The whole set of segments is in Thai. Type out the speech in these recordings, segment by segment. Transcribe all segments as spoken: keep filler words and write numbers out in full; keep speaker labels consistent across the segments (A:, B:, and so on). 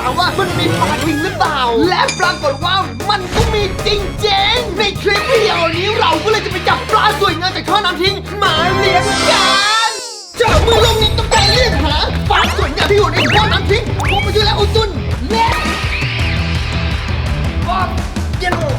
A: ามว่ามันมีปลาจริงหรือเปล่าและปรากฏว่ามันก็มีจริงๆในคลิปวิดีโอนี้เราก็เลยจะไปจับปลาสวยงามจากท่อน้ำทิ้งมาเลี้ยงกันจับมือลงนี้ต้องการเรียกหาปลาสวยงามที่อยู่ในท่อน้ำทิ้งผมมาดูแลอุจุนเล็กบ๊อบเยลโล่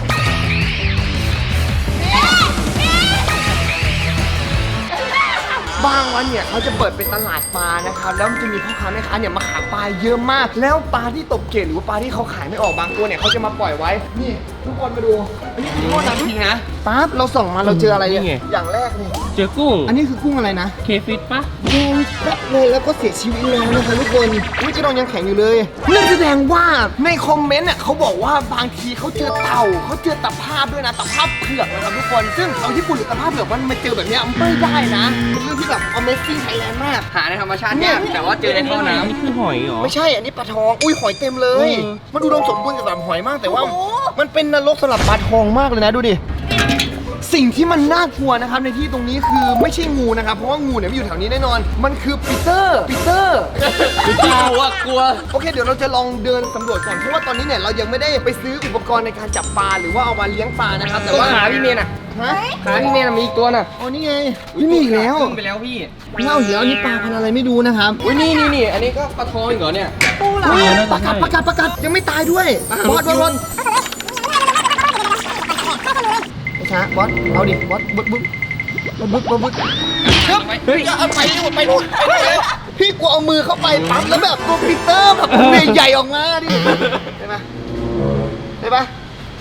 A: บางวันเนี่ยเขาจะเปิดเป็นตลาดปลานะครับแล้วมันจะมีพ่อค้าแม่ค้าเนี่ยมาขายปลาเยอะมากแล้วปลาที่ตกเกล็ดหรือว่าปลาที่เขาขายไม่ออกบางตัวเนี่ยเขาจะมาปล่อยไว้นี่ทุกคนมาดูอันนี้คือโทษนะทุกทีนะปั๊บเราส่องมาเราเจออะไรเนี่ยอย่างแรกเลย
B: เจอกุ้ง
A: อันนี้คือกุ้งอะไรนะ
B: เคฟิตปะ
A: แดงแป๊บเลยแล้วก็เสียชีวิตแล้วนะคะทุกคนอุ้ยจะนอนยังแข็งอยู่เลยนั่นแสดงว่าในคอมเมนต์เนี่ยเขาบอกว่าบางทีเขาเจอเต่าเขาเจอตะภาพด้วยนะตะภาพเผือกนะครับทุกคนซึ่งเอาญี่ปุ่นหรือตะภาพเผือกมันมาเจอแบบนี้ไม่ได้นะเป็นเรื่องที่แบบ Amazing Thailand มาก
C: หาในธรรมชาติเนี่ยแต่ว่าเจอในท่อน้ำ
B: นี่คือหอยเหรอ
A: ไม่ใช่อันนี้ปลาทองอุ้ยหอยเต็มเลยมันดูอุดมสมบูรณ์สำหรับหอยมากแต่ว่ามันเป็นนรกสำหรับปลาทองมากเลยนะดูดิสิ่งที่มันน่ากลัวนะครับในที่ตรงนี้คือไม่ใช่งูนะครับเพราะว่างูเนี่ยไม่อยู่แถวนี้แน่นอนมันคือปีเตอร์ปีเตอร์
C: กลัวกลัว
A: โอเคเดี๋ยวเราจะลองเดินสำรวจก่อนเพราะว่าตอนนี้เนี่ยเรายังไม่ได้ไปซื้ออุปกรณ์ในการจับปลาหรือว่าเอามาเลี้ยงปลานะครับแต่ว่า
C: ขาพี่เมย์น่ะ
A: ฮะ
C: ขาพี่เมย์น่ะมีอีกตัวน่ะ
A: อ๋อนี่ไงนี่มีอีกแล้ว
C: ขึ้นไปแล้วพี่
A: เล่าเดี๋ยวอันนี้ปลาพันธุ์อะไรไม่ดูนะครับ
C: อุ้ยนี่นี่นี่อันนี้ก็ปลาทองอีกเหรอเนี่ย
A: อุ้ยประกาศประกาศประกาศยังไม่ตายด้วยบอสบอสบอสช้าบอสเอาดิบอสบึ๊บบึ๊บบึ๊บบึ๊บบึ๊บเฮ้ยเอาไปนู่นไปนู่นพี่กูเอามือเข้าไปปั๊บแล้วแบบตัวปีเตอร์แบบใหญ่ๆออกมาดิเห็นไหมเห็นปะ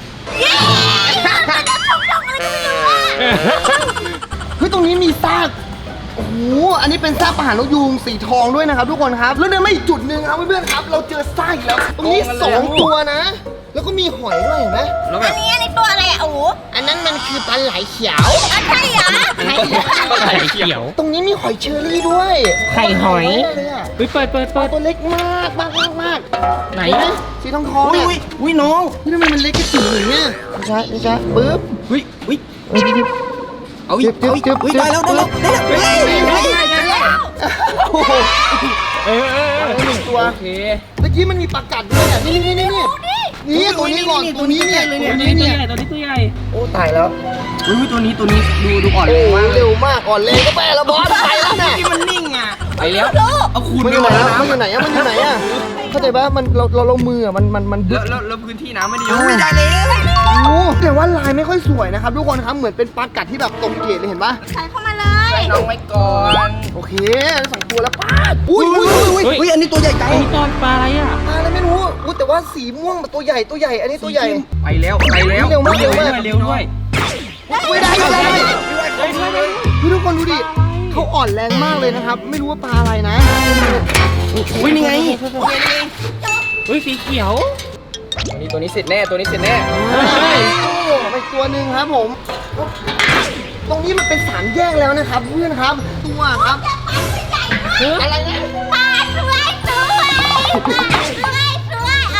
A: เฮ้ยตรงนี้มีซากโอ้โหอันนี้เป็นซากปลาหางนกยูงสีทองด้วยนะครับทุกคนครับแล้วเดินมาอีกจุดหนึ่งครับเพื่อนๆครับเราเจอซากอีกแล้วตรงนี้สองตัวนะแล้วก็มีหอยด้วยเห็นไหม
C: แล้วแบบ
D: อันนี้อะไรตัวอะไรอ่ะโอ้
A: อันนั้นมันคือปลาไหลเขียว
D: อันใช่เหรอ
B: ปลาไหลเขียว
A: ตรงนี้มีหอยเชอรี่ด้วย
B: ไข่หอย
A: เลยอ่ะ
B: เฮ้ยเปิดเปิด
A: ปลา
B: เปิด
A: ตัวเล็กมากมากมากมาก
B: ไหน
A: สีทองทอง
C: อุ้ย
A: เนี่ย
C: อุ้ยอุ้ยน้อง
A: นี่ทำไมมันเล็กกระจิ๋วอย่างเงี้ยไม่ใช่ไม่ใช่ปึ๊บ
C: อุ้ยอุ้ย
A: เอาดิ
C: เอาอีกเอาอีกอุ้ยได้แล้วได้แล้วได้แล้วได้แล้ว
A: โอ้โห
B: เออเออเออ
A: หนึ่งตัว
C: โอเค
A: เมื่อกี้มันมีปลากัดด้วยอ่ะนี่นี่นี่นี่นี่ตัวนี้ก่อนตัวนี้เนี่ย
B: ตัวนี้ตัวใหญ่ตัวนี้ตัวใหญ่
A: โอ้ตายแล้ว
C: อุ้ยตัวนี้ตัวนี้ดูดูอ่อน
A: โอ้
C: แรงมาก
A: เร็วมากอ่อนแรงก็ไปแล้วบอสไปแล้วน่ะ
C: ที่มันนิ่งอ่ะไปแล้วเอาคูณ
A: มัน
C: ไป
A: อยู่
C: หม
A: ไหน
C: ดแล้ว
A: อะ
C: นะ
A: มันอยู่ไหนอะมันอยู่ไหนอะเข้าใจปะมันเราเราลงมืออะมันมันมัน
C: แล้วแล้วแล้วพื้นที่น้ำไม่ได้เยอะไม่ได้เลย
A: โอ้แต่ว่าลายไม่ค่อยสวยนะครับทุกคนครับเหมือนเป็นปลากัดที่แบบตรงเกตเลยเห็นปะ
D: ใส่เข้ามาเลย
C: ใส่น้องไว้ก่อน
A: โอเคสองตัวแล้วป้าอุ้ยอุ้ยอุ้ย
C: อุ้ยอันนี้ตัวใหญ่จัง
B: ไอ้ตอนปลาอะไรอ่ะ
A: ปลาอะไรไม่รู้อุ้ยแต่ว่าสีม่วงตัวใหญ่ตัวใหญ่อันนี้ตัวใหญ่
C: ไปแล้วไปแล้ว
A: เร็วมากเร็วมาก
B: เร็วด้วย
A: อุ้ยได้ได้ได้พี่ทุกคนดูดิเขาอ่อนแรงมากเลยนะครับไม่รู้ว่าปลาอะไรนะ
C: อุ้ยนี่ไง
B: เฮ้ยสีเขียว
C: นี่ตัวนี้เสร็จแน่ตัวนี้เสร็จแน่
B: ใช่
A: โอ้ไปตัวหนึ่งครับผมตรงนี้มันเป็นสามแยกแล้วนะครับเพื่อนครับตัวครับอะไรนะ
D: ปลาสวยสวยปลาสวยสวยเอา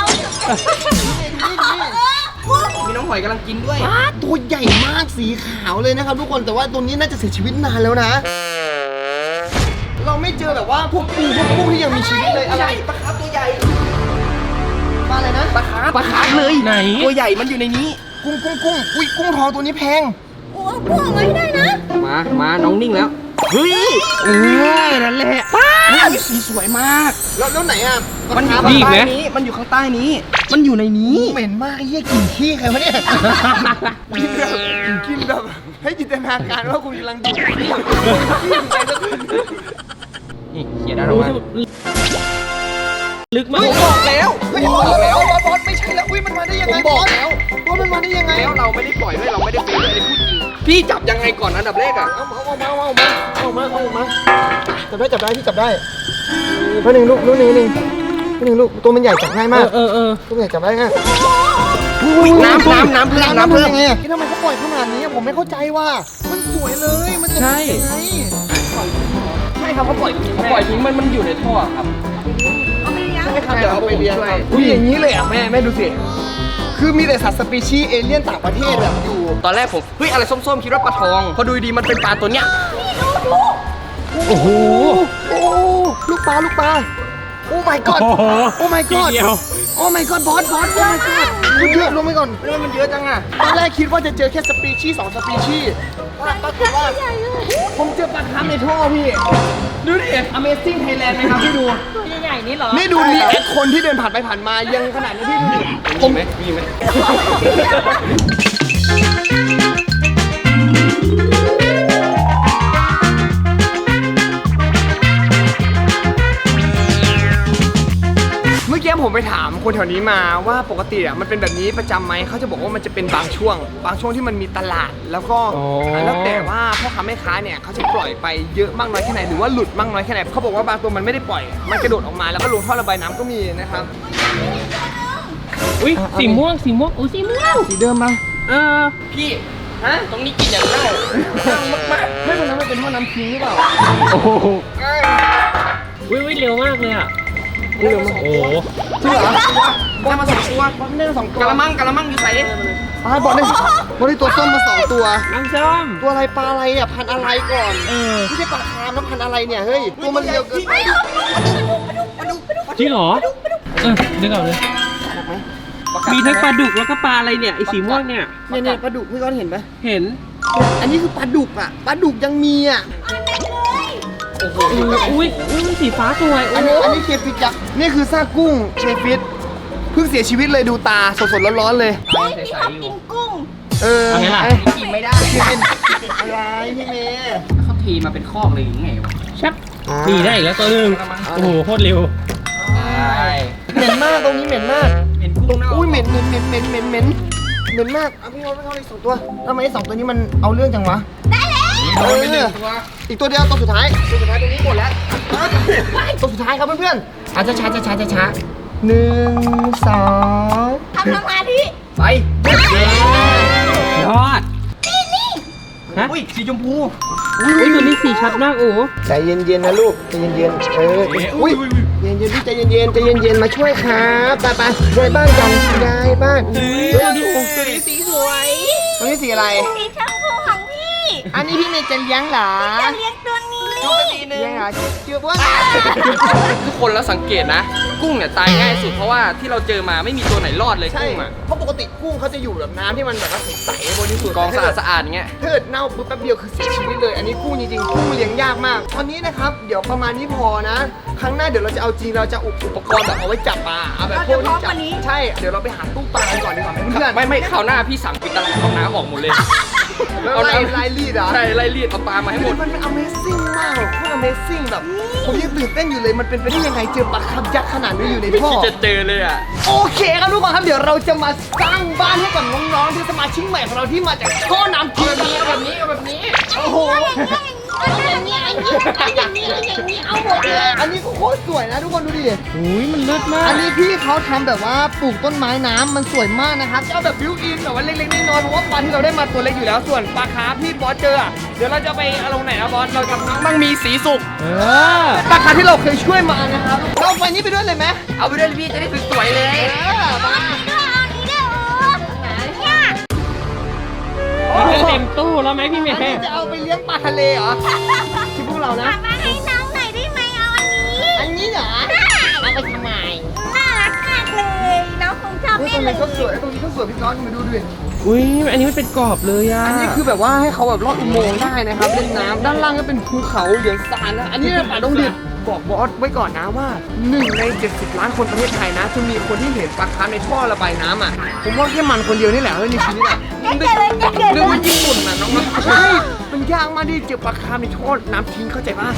C: มีน้องหอยกำลังกินด้วย
A: ปลาตัวใหญ่มากสีขาวเลยนะครับทุกคนแต่ว่าตัวนี้น่าจะเสียชีวิตนานแล้วนะ เราไม่เจอแบบว่าพวกปูพวกกุ้งที่ยังมีชีวิตเลยอะไร
C: ปลาคาร์ฟตัวใหญ่
A: ปลาอะไรนะ
C: ปลาคาร์ฟปลาคาร์ฟเลย
B: ไหน
C: ตัวใหญ่มันอยู่ในนี้
A: กุ้งกุ้งกุ้งอุ้ยกุ้งทองตัวนี้แพง
D: โอ้พวกมันได้นะ
C: มามาน้องนิ่งแล้วเฮ้ย
B: เออนั่นแหละ
C: สีสวยมาก
A: แล้วแล้วไหนอ่ะ
C: มันอยู่
A: ปลา
C: ข้าง
A: คาร์ฟ
C: ใต้นี้มันอยู่ข้างใต้นี้ มันอยู่ในนี้
A: เหม็นมากไอ้เหี้ยกลิ่นขี้ใครวะเนี่ยกินแบบกินแบบให้จินตนาการว่าคุณกำลังดูดขี้ไปสัก
C: นี่เขียนได้หรอวะ
B: ลึกมาก
C: ผมบอกแล้ว
A: เฮ้ย
C: ผม
A: บบ อ
C: อก ก
A: แล้
C: แล้ว ว
A: บอสบอสไม่ใช่แล้วอุ้ยมันมาได้ยังไง
C: ผมบอกแล้ว
A: บอสมันมาได้ยังไง
C: แล้วเราไม่ได้ปล่อยด้วยเราไม่ได้เป็นเลยพูดจริงพี่จับยังไงก่อนอันดับแรกอ่ะ
A: เอาเอาเอาเอามาเอามาเอามาจับได้จับได้พี่จับได้เพื่อนหนึ่งลูกลูกหนึ่งหนึ่งเพื่อนหนึ่งลูกตัวมันใหญ่จับง่ายมาก
B: เออเออ
A: ตัวใหญ่จับได้ง่าย
C: น้ำน้ำน้ำเพิ่มน้ำเพิ่ม
A: ยังไงอ่ะทำไมเขาปล่อยขนาดนี้ผมไม่เข้าใจว่ามันสวยเลยมันจะยังไง
C: ใช่ครับเขาปล่อยเขาปล่อยทิ้งมันมันอยู่ในท่อครับ
D: เอาไปเลี้ยง
A: ใช่ครับเดี๋ยวเอาไปเลี้ยง
C: ใช่
A: อุ้ยอย่างนี้เลยอ่ะแม่แม่ดูสิคือมีแต่สัตว์สปีชีส์เอเลี่ยนต่างประเทศแบบอยู่
C: ตอนแรกผมเฮ้ยอะไรส้มๆคิดว่าปลาทองพอดูดีมันเป็นปลาตัวเนี้ย
B: โอ้โห
A: โอ้ลูกปลาลูกปลาโอ้ my god
B: โอ้โห
A: โอ้ my
B: สี
A: god
B: เขียว
A: โอ้ my god บอสบอสโอ้ my god มันเยอะลงไปก่อนเรื่องมันเยอะจังอะตอนแรกคิดว่าจะเจอแค่สปีชีส์สองสปีชีส์ปรากฏว่าผมเจอปลาคาร์ฟในท่อพี่ ดูดิ Amazing Thailand ไหมครับพี่ดู
D: ตัวใหญ่ๆนี่เหรอ
A: นี่ดูรีแอคคนที่เดินผ่านไปผ่านมายังขนาดนี้พี่ดูดิผมไหมมีไหมเมื่อกี้ผมไปถามคนแถวนี้มาว่าปกติอ่ะมันเป็นแบบนี้ประจำไหมเขาจะบอกว่ามันจะเป็นบางช่วง บางช่วงที่มันมีตลาด แล้วก็
B: อ๋อ
A: แล้วแต่ว่าพ่อค้าแม่ค้าเนี่ยเขาจะปล่อยไปเยอะมากน้อยแค่ไหนหรือว่าหลุดมากน้อยแค่ไหนเขาบอกว่าบางตัวมันไม่ได้ปล่อย มันกระโดดออกมาแล้วก็ลงท่อระบายน้ำก็มีนะครับ
B: อุ้ยสีม่วงสีม่วงอุ้ยสีม่วง
A: สีเดิมมา
B: เออ
A: พี่ฮะตรงนี้กินอย่างเน่ามากๆไม่เป็นไรมันเป็นท่อน้ำทิ้งหรือเปล่า
B: โอ้โหอุ้ยอุ้ยเร็วมากเลยอ่ะ
A: เร็วมาก
B: โอ้โห
A: จริงเหรอบอลมาสองตัวบอลได้มาสองตัวกระมังกระมังอยู่ใส่อ่าบอลได้บอลได้ตัวส้มมาสองตัว
B: น้ำส้ม
A: ตัวอะไรปลาอะไรอ่ะพันธุ์อะไรก่อน
B: เออ
A: ไม่ใช่ปลาคาร์ฟนะพันธุ์อะไรเนี่ยเฮ้ยตัวมันเร็วเกินไป
B: จริงเหรอเออนึกออกเลยมีทั้งปลาดุกแล้วก็ปลาอะไรเนี่ยไอสีม่วงเนี่ย
A: เนี่ยเนี่ยปลาดุกพี่ก้อนเห็นไหม
B: เห็น
A: อันนี้คือปลาดุกอ่ะปลาดุกยังมีอ่ะ
B: เอออุ้ยอุ้ยสีฟ้าสวย
A: อั
B: โอ้
A: น
B: โห
A: นี้อันนี้เคฟิตยักษ์นี่คือซากกุ้งเคฟิตเพิ่งเสียชีวิตเลยดูตาสดๆร้อนๆเลย
D: เฮ้ยพี่เขากินกุ้ง
A: เออ
B: เอาไงล่ะ
A: กินไม่ได้เป็นอะไรพี่เมย์
C: เขาทีมาเป็นคอกเลยยังไงวะ
B: ชับนี่ได้อีกแล้วตัวหนึงโอ้โหโคตรเร็ว
A: เหม็นมากตรงนี้เหม็นมาก
C: เห็นกุ้งเน่า
A: อุ้ยเหม็นเหม็นเหม็นเหม็นเหม็นเหม็นเหม็นมากเอาพี่เขาพี่เขาอีกสองตัวทำไมไอ้สองตัวนี้มันเอาเรื่องจังวะ
D: ได้แล้ว
A: เอออีกตัวเดียวตัวสุดท้ายตัวสุดท้ายตรงนี้หมดแล้วตัวสุดท้ายครับเพื่อนๆอาจจะช้าช้าช้าช้าช้าหนึ่งสอง
D: ทำสมาธิ
A: ไป
B: ยอดฮะ
C: อุ้ยสีชมพู
B: อุ้ยตัวนี้สีชัดมากโอ้โห
A: ใจเย็นๆนะลูกใจเย็นๆเอออุ้ยเย็นๆพี่ใจเย็นๆใจเย็นๆมาช่วยครับไปไปๆย้ายบ้านกันย้ายบ้าน
B: ตัวนี้ตัวนี้สีสวย
A: ตรงนี้สีอะไร
D: สีชมพูของพี่
A: อันนี้พี่เมย์จะเลี้ยงเหรอ
D: จะเลี้ยงตัวนี้
A: เลี้ยงเหรอเจือบว่า
E: ทุกคนแล้วสังเกตนะ กุ้งเนี่ยตายง่ายสุดเพราะว่าที่เราเจอมาไม่มีตัวไหนรอดเลย
A: ใช่
E: กุ้งอ่ะ
A: เพราะปกติกุ้งเขาจะอยู่แบบน้ำที่มันแบบว่าใสๆบริสุทธิ์
E: กองสะอาดสะอาดเงี้ย
A: ถ้าเกิดเน่าปุ๊บแป๊บเดียวคือเสียชีวิตเลย อันนี้กุ้งจริงๆกุ้งเลี้ยงยากมาก ตอนนี้นะครับเดี๋ยวประมาณนี้พอนะ ครั้งหน้าเดี๋ยวเราจะเอาจริงเราจะอุปอุปกรณ์แบบเอาไว้จับปลาเอาแบบพวกที่จับใช่เดี๋ยวเราไปหาตู้ปลากันก่อนดีกว่าเพื่อนๆ
E: ไม่ไม่คราวหน้าพี่สั่งปิดตลาดเอาน้ำออกหมดเลย
A: แล้วไล่ไล่รีดเหรอ
E: ใช่ไล่รีดเอาปลามาให้หมด
A: มันเป็น Amazing มากโคตร Amazing แบบผมยังตื่นเต้นอยู่เลยมันเป็นไปได้ยังไงเจอปลาคาร์ฟยักษ์ขนาดนี้อยู่ใน
E: ไม่
A: ท่อ
E: คิดจะเจอเลยอ่ะ
A: โอเคครับทุกคนครับเดี๋ยวเราจะมาสร้างบ้านให้กับน้องๆที่สมาชิกใหม่ของเราที่มาจากท่อน้ำทิ้งนี้แบบนี้แบบนี้โอ้โห
D: อย่างนี้อย่างนี้อย่างนี้อย่างนี้เอาหมดเลย
A: อันนี้ก็โคตรสวยนะทุกคนดูดิ
B: อุ้ยมันเลิศมาก
A: อันนี้พี่เขาทำแบบว่าปลูกต้นไม้น้ำมันสวยมากนะครับจะเอาแบบบิวอินแบบว่าเล็กๆน้อยๆเพราะว่าปลาที่เราได้มาตัวเล็กอยู่แล้วส่วนปลาคาร์ฟที่บอสเจออะเดี๋ยวเราจะไปเอาลงไหนนะบอสเรากับน้องมั่งมีสีสุก
B: เออ
A: ปลาคาร์ฟที่เราเคยช่วยมานะครับเราเอาไปนี้ไปด้วยเลยไหม
E: เอาไปด้วยเลยพี่จะได้สวยๆเลย
A: เออมา
B: นี่เต็มตู้แล้วไหมพี่เม
A: อันนี้
B: ย์
A: จะเอาไปเลี้ยงปลาทะเลเหรอที่พวกเรานะ
D: มาให้น้องหน่อยได้ไหมเอาอันนี้
A: อันนี้เหรอเอาไปทำไม
D: น่ารักมากเลยน้องคงชอบ
A: เฮ้ย
D: แน่
A: ตรง
D: เล
A: นี้
D: ย
A: ก็สวยตรงนี้ก็สวยพี่ก้อนมาดูดิ
B: อุ้ยอันนี้มันเป็นกรอบเลยอ่ะ
A: อันนี้คือแบบว่าให้เขาแบบลอดอุโมงค์ได้นะครับเล่นน้ำด้านล่างก็เป็นภูเขาเหลืองซานนะอันนี้เป็นป่าดงดิบบอกบอสไว้ก่อนนะว่าหนึ่งในเจ็ดสิบล้านคนประเทศไทยนะจะมีคนที่เห็นปลาคาร์ฟในท่อระบายน้ำอ่ะผมว่าแค่มันคนเดียวนี่แหละเฮ้ยในชีวิตอ่ะ
D: เก่งเลยเก่งเลย
E: เรื่องว่าญี่ปุ่นน่ะน้อง
A: ใช่มันยากมากที่เจอปลาคาร์ฟในท่อน้ำทิ้งเข้าใจป่ะ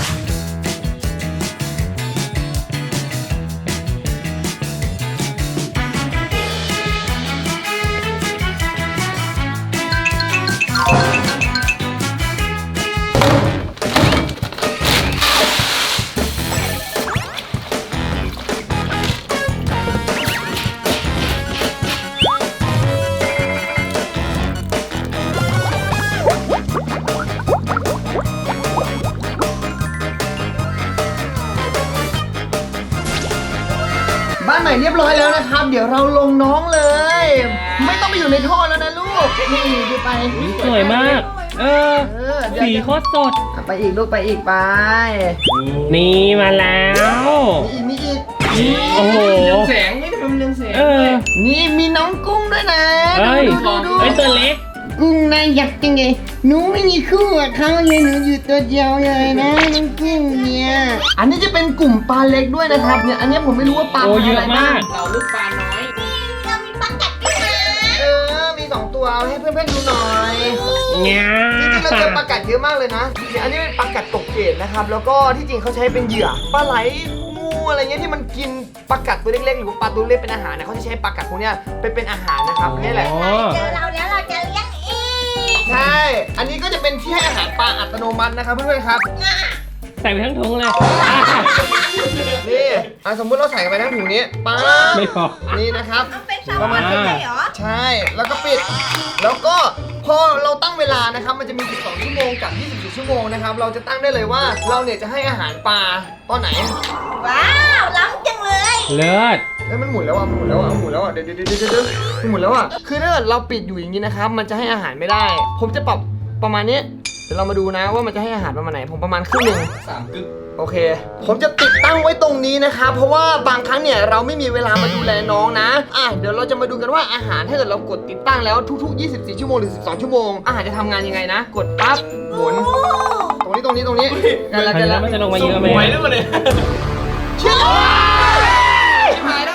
A: บ้านใหม่เรียบร้อยแล้วนะครับ เดี๋ยวเราลงน้องเลย ไม่ต้องไปอยู่ในท่อแล้วนะลูกนี่ดูไป
B: สวยมาก เออ
A: เออเดี๋ยว
B: สีโคตรสด
A: ไปอีกลูกไปอีกไป
B: นี่มาแล้ว
A: มีอีกมีอีก
B: โอ้โห
E: เรืองแสงไม่ทำไมมันเรืองแสง
B: เออ
A: นี่มีน้องกุ้งด้วยนะ
B: เฮ้ย
A: ดูดู
B: ไอ้ตัวเล็ก
A: กุ้งน่าอยากจังเลยหนูไม่มีคู่กับเขาเลยหนูอยู่ตัวเดียวเลยนะน้องกุ้งเนี่ยอันนี้จะเป็นกลุ่มปลาเล็กด้วยนะครับเนี่ยอันนี้ผมไม่รู้ว่าปลา
B: โอ้เยอะ
A: ไรบ้าง
B: มาก
E: เราลูกปลาน้อย
D: เรามีปลากัดด้วยนะ
A: เออมีสองตัวเอาให้เพื่อนๆดูหน่อย
B: เงี้ย
A: จริงๆเราเจอปลากัดเยอะมากเลยนะเนี่ยอันนี้เป็นปลากัดตกเกตนะครับ แล้วก็ที่จริงเขาใช้เป็นเหยื่อปลาไหลงูอะไรเงี้ยที่มันกินปลากัดตัวเล็กๆหรือว่าปลาตัวเล็กเป็นอาหารเนี่ยเขาจะใช้ปลากัดพวกเนี้ยไปเป็นอาหารนะครับนี่แหละ
B: อ๋อ
D: เจอเราแล้วเราจะเลี้ยงเอง
A: ใช่ อันนี้ก็จะเป็นที่ให้อาหารปลาอัตโนมัตินะครับเพื่อนๆครับ
B: ใส่ไปทั้งถุงเลย
A: นี่อ่ะสมมุติเราใส่ไปทั้งถุงนี้ป๊าบ
B: ไม่พอ
A: นี่นะครับ
D: เอาเป็นแซลมอนไม่ใช่เหรอ
A: ใช่ แล้วก็ปิด แล้วก็พอเราตั้งเวลานะครับ มันจะมี สิบสอง ชั่วโมงกับ ยี่สิบสี่ ชั่วโมงนะครับ เราจะตั้งได้เลยว่าเราเนี่ยจะให้อาหารปลาตอนไหน
D: ว้าวล้ำจังเลย
B: เลิศ
A: เอ้ยมันหมุนแล้วอ่ะมันหมุนแล้วอ่ะมันหมุนแล้วอ่ะ เดี๋ยวเดี๋ยวเดี๋ยวเดี๋ยวมันหมุนแล้วอ่ะ คือถ้าเกิดเราปิดอยู่อย่างนี้นะครับ มันจะให้อาหารไม่ได้ ผมจะปรับประมาณนี้ เดี๋ยวเรามาดูนะว่ามันจะให้อาหารประมาณไหน ผมประมาณครึ่งหนึ่ง
E: สามกึ๊ก
A: โอเค ผมจะติดตั้งไว้ตรงนี้นะครับ เพราะว่าบางครั้งเนี่ยเราไม่มีเวลามาดูแลน้องนะ อ่ะ เดี๋ยวเราจะมาดูกันว่าอาหารถ้าเกิดเรากดติดตั้งแล้วทุกๆ ยี่สิบสี่ ชั่วโมงหรือ สิบสอง ชั่วโมง อาหารจะทำงานยังไงนะ กดปั๊บ หมุน ตรงนี้ตรงนี้ตรงนี้กันละ
B: อัน
A: กัน
B: นี้
A: ละ
B: มันจะลงมาเยอะไหม
E: ไหวแล้วมาเลย
A: เชื่อ
E: หายแล้ว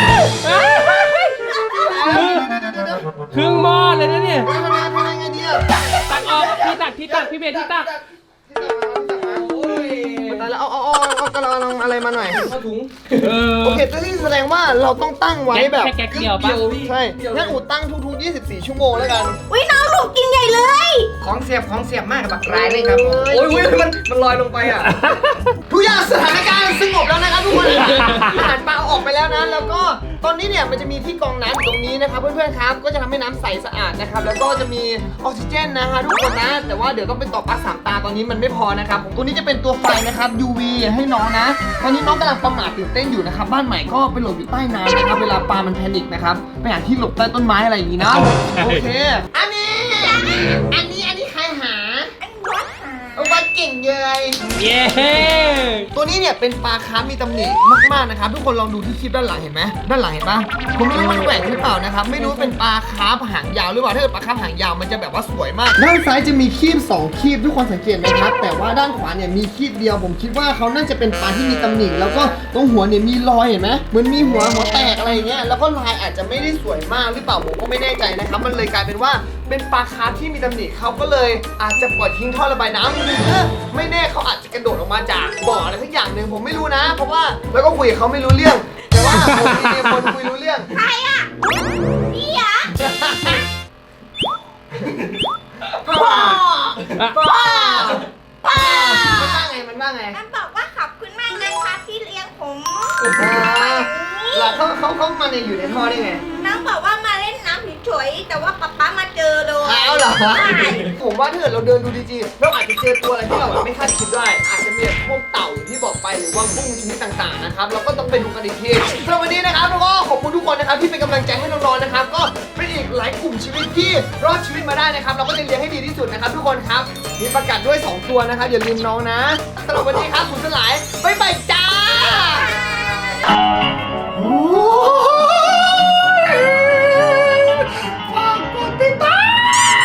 B: ครึ่งหม้อเลยนะเนี่ย
A: ทำไงทำไงดีอ่ะ
B: ตักออกที่ตักที่ตักพี่เบสที่ตัก
E: โอ้ย
A: ตายแล้วเอาเอาเอาเอากระลองอะไรมาหน่อย
E: เข้าถุง
B: เออ
A: โอเคตัวนี้แสดงว่าเราต้องตั้งไว้แบบ
B: แค่แก๊กเดียวปะ
A: ใช่งั้นอูตั้งทุกๆ ยี่สิบสี่ ชั่วโมงแล้วกัน
D: อุ้ยน้องหนูกินใหญ่เลย
E: ของเสียบของเสียบมากกับบักรายเลยครับผมโอ้ยมันมันลอยลงไปอ่ะ
A: ทุกอย่างสถานการณ์สงบแล้วนะครับทุกคน อาหารปลาเอาออกไปแล้วนะ แล้วก็ตอนนี้เนี่ยมันจะมีที่กรองน้ำอยู่ตรงนี้นะครับเพื่อนๆครับ ก็จะทำให้น้ำใสสะอาดนะครับ แล้วก็จะมีออกซิเจนนะฮะทุกคนนะ แต่ว่าเดี๋ยวต้องไปต่อปลั๊กสามตาตอนนี้มันไม่พอนะครับตัวนี้จะเป็นตัวไฟนะครับ ยู วี ให้น้องนะ ตอนนี้น้องกำลังประมาทตื่นเต้นอยู่นะครับ บ้านใหม่ก็ไปหลบอยู่ใต้น้ำนะครับ เวลาปลามันแพนิคนะครับ ไปหาที่หลบใต้ต้นไม้อะไรอย่างนี้นะ โอเค อันนี้ อันนี้ อันนี้ใครหา
D: อันวัดหา
A: เอาวัดเก่งเลย
B: เย้
A: ตัวนี้เนี่ยเป็นปลาคาร์ฟมีตำหนิมากๆนะครับทุกคนลองดูที่คลิปด้านหลังเห็นไหมด้านหลังเห็นปะผมไม่รู้มันแหว่งหรือเปล่านะครับไม่รู้เป็นปลาคาร์ฟหางยาวหรือเปล่าถ้าเกิดปลาคาร์ฟหางยาวมันจะแบบว่าสวยมากด้านซ้ายจะมีคีบสองคีบทุกคนสังเกตไหมครับแต่ว่าด้านขวาเนี่ยมีคีบเดียวผมคิดว่าเขาน่าจะเป็นปลาที่มีตำหนิแล้วก็ตรงหัวเนี่ยมีรอยเห็นไหมเหมือนมีหัวหัวแตกอะไรอย่างเงี้ยแล้วก็ลายอาจจะไม่ได้สวยมากหรือเปล่าผมก็ไม่แน่ใจนะครับมันเลยกลายเป็นว่าเป็นปลาคาร์ฟที่มีตำหนิเขาก็เลยอาจจะปล่อยทิ้งท่อระบายน้ำหรือไม่แน่เขาอาจจะกระโดดออกมาจากบ่ออะไรสักอย่างหนึ่งผมไม่รู้นะ เพราะว่าแล้วก็คุยกับเขาไม่รู้เรื่อง แต่ว่าผมมีคนคุยรู้เรื่อง
D: ใครอ่ะพี่เหรอ
A: พ่อพ่อพ่อมันว่าไงมันว่าไง
D: มันบอกว่าขอบคุณมากนะคะที่เลี้ยงผม
A: อ่าแล้วเขาเขาเขามาในอยู่ในท่อได้ไง
D: น้องบอกว่ามาเล่นน้ำเฉยๆแต่ว่าป๊าป๊ามาเจอเลย
A: อ้าวเหรอ
D: ใช่
A: ผมว่าถ้าเกิดเราเดินดูดีๆเราอาจจะเจอตัวอะไรที่เราแบบไม่คาดคิดได้ อาจจะมีแบบพวกเต่าอย่างที่บอกไปหรือว่ากุ้งชนิดต่างๆนะครับเราก็ต้องไปดูกันอีกทีสำหรับวันนี้นะครับแล้วก็ขอบคุณทุกคนนะครับที่เป็นกำลังใจให้น้องๆนะครับก็เป็นอีกหลายกลุ่มชีวิตที่รอดชีวิตมาได้นะครับเราก็จะเลี้ยงให้ดีที่สุดนะครับทุกคนครับมีประกาศด้วยสองตัวนะครับอย่าลืมน้องนะสำหรับวันนี้ครับคุณสลายบ๊ายบายจ้าโอ้ยฝากกดติดตาม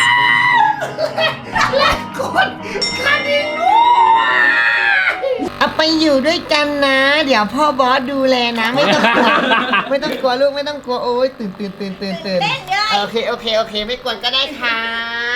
A: และกดกระดิ่งด้วยเอาไปอยู่ด้วยกันนะ เดี๋ยวพ่อบอสดูแลนะ ไม่ต้องกลัว ไม่ต้องกลัวลูกไม่ต้องกลัวโอ้ยตื่นตื่นตื่นตื่นตื่น
D: เล่นเลย
A: โอเคโอเคโอเคไม่กวนก็ได้ครับ